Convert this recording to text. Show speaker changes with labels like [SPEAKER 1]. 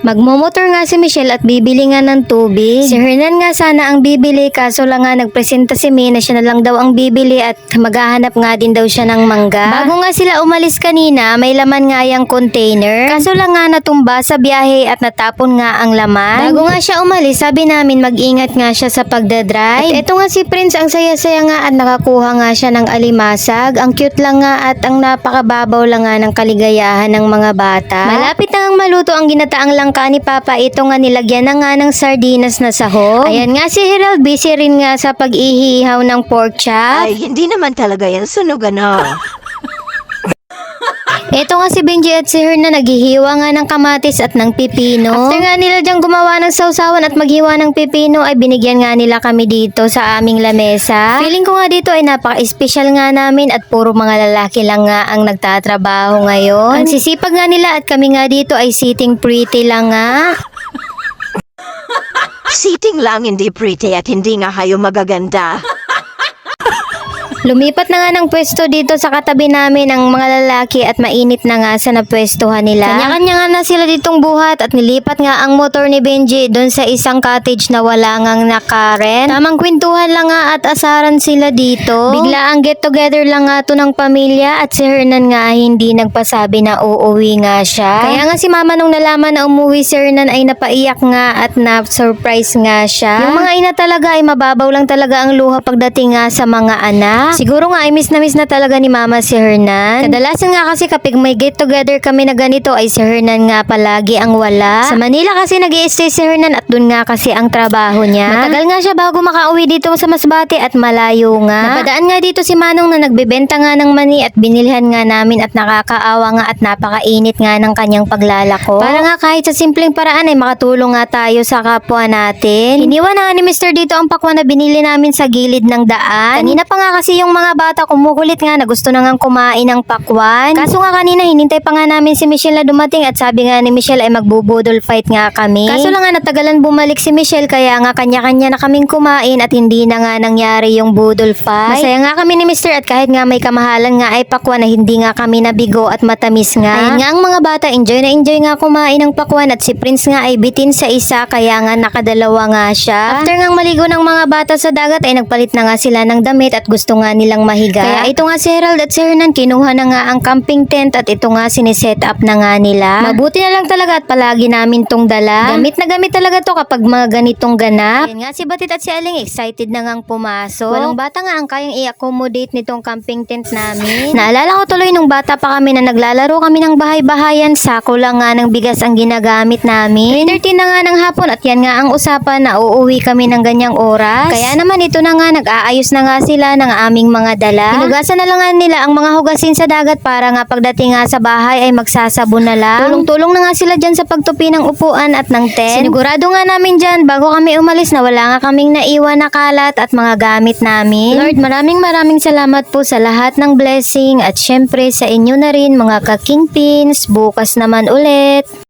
[SPEAKER 1] Magmomotor nga si Michelle at bibili nga ng tubig. Si Hernan nga sana ang bibili kaso lang nga nagpresenta si May na siya na lang daw ang bibili at maghahanap nga din daw siya ng mangga. Bago nga sila umalis kanina, may laman nga yung container. Kaso lang nga natumba sa biyahe at natapon nga ang laman. Bago nga siya umalis, sabi namin mag-ingat nga siya sa pagdadrive. At eto nga si Prince, ang saya-saya nga at nakakuha nga siya ng alimasag. Ang cute lang nga at ang napakababaw lang nga ng kaligayahan ng mga bata. Malapit na ang maluto ang ginataang langka ni Papa. Ito nga nilagyan na nga ng sardinas na sahog. Ayan nga si Herald, busy rin nga sa pag-ihihaw ng pork chop.
[SPEAKER 2] Ay, hindi naman talaga yan sunog
[SPEAKER 1] Ito nga si Benji at si Hernan naghihiwa nga ng kamatis at ng pipino. After nga nila diyang gumawa ng sausawan at maghiwa ng pipino ay binigyan nga nila kami dito sa aming lamesa. Feeling ko nga dito ay napaka-espesyal nga namin at puro mga lalaki lang nga ang nagtatrabaho ngayon. Ang sisipag nga nila at kami nga dito ay sitting pretty lang nga.
[SPEAKER 2] Sitting lang, hindi pretty at hindi nga kayo magaganda.
[SPEAKER 1] Lumipat na nga ng pwesto dito sa katabi namin ang mga lalaki at mainit na nga sa napwestuhan nila. Kanya-kanya nga na sila ditong buhat at nilipat nga ang motor ni Benji doon sa isang cottage na wala ngang nakaren. Tamang kwentuhan lang nga at asaran sila dito. Bigla ang get together lang nga to ng pamilya at si Hernan nga hindi nagpasabi na uuwi nga siya. Kaya nga si mama nung nalaman na umuwi si Hernan ay napaiyak nga at na-surprise nga siya. Yung mga ina talaga ay mababaw lang talaga ang luha pagdating nga sa mga anak. Siguro nga ay miss na talaga ni Mama si Hernan. Kadalasan nga kasi kapag may get together kami na ganito ay si Hernan nga palagi ang wala. Sa Manila kasi nag-i-stay si Hernan at dun nga kasi ang trabaho niya. Matagal nga siya bago makauwi dito sa Masbate at malayo nga. Napadaan nga dito si Manong na nagbebenta nga ng mani at binilhan nga namin at nakakaawa nga at napakainit nga ng kanyang paglalako. Para nga kahit sa simpleng paraan ay makatulong nga tayo sa kapwa natin. Iniwan na nga ni Mr. dito ang pakwan na binili namin sa gilid ng daan. Kanina pa nga kasi yung mga bata kumukulit nga na gusto na ngang kumain ng pakwan. Kaso nga kanina hinintay pa nga namin si Michelle na dumating at sabi nga ni Michelle ay magbubudol fight nga kami. Kaso lang nga natagalan bumalik si Michelle kaya nga kanya-kanya na kaming kumain at hindi na nga nangyari yung budol fight. Masaya nga kami ni Mr. at kahit nga may kamahalan nga ay pakwan na hindi nga kami nabigo at matamis nga. Ayan nga ang mga bata enjoy nga kumain ng pakwan at si Prince nga ay bitin sa isa kaya nga nakadalawa nga siya. After nga maligo ng mga bata sa dagat ay nagpalit na nga sila ng damit at gusto nga nilang mahiga. Kaya ito nga si Herald at si Hernan kinuha na nga ang camping tent at ito nga siniset up na nga nila. Mabuti na lang talaga at palagi namin tong dala. Gamit na gamit talaga to kapag mga ganitong ganap. Ayan nga si Batit at si Aling excited na ngang pumasok. Walang bata nga ang kayang i-accommodate nitong camping tent namin. Naalala ko tuloy nung bata pa kami na naglalaro kami ng bahay-bahayan, sako lang nga ng bigas ang ginagamit namin. 3:30 na nga ng hapon at yan nga ang usapan na uuwi kami ng ganyang oras. Kaya naman ito na nga nag-aayos na nga sila ng aming mga dala. Hinugasan na lang nga nila ang mga hugasin sa dagat para nga pagdating nga sa bahay ay magsasabon na lang. Tulong-tulong na nga sila dyan sa pagtupi ng upuan at ng tent. Sinigurado nga namin dyan bago kami umalis na wala nga kaming naiwan na kalat at mga gamit namin. Lord, maraming salamat po sa lahat ng blessing at syempre sa inyo na rin mga ka-kingpins. Bukas naman ulit.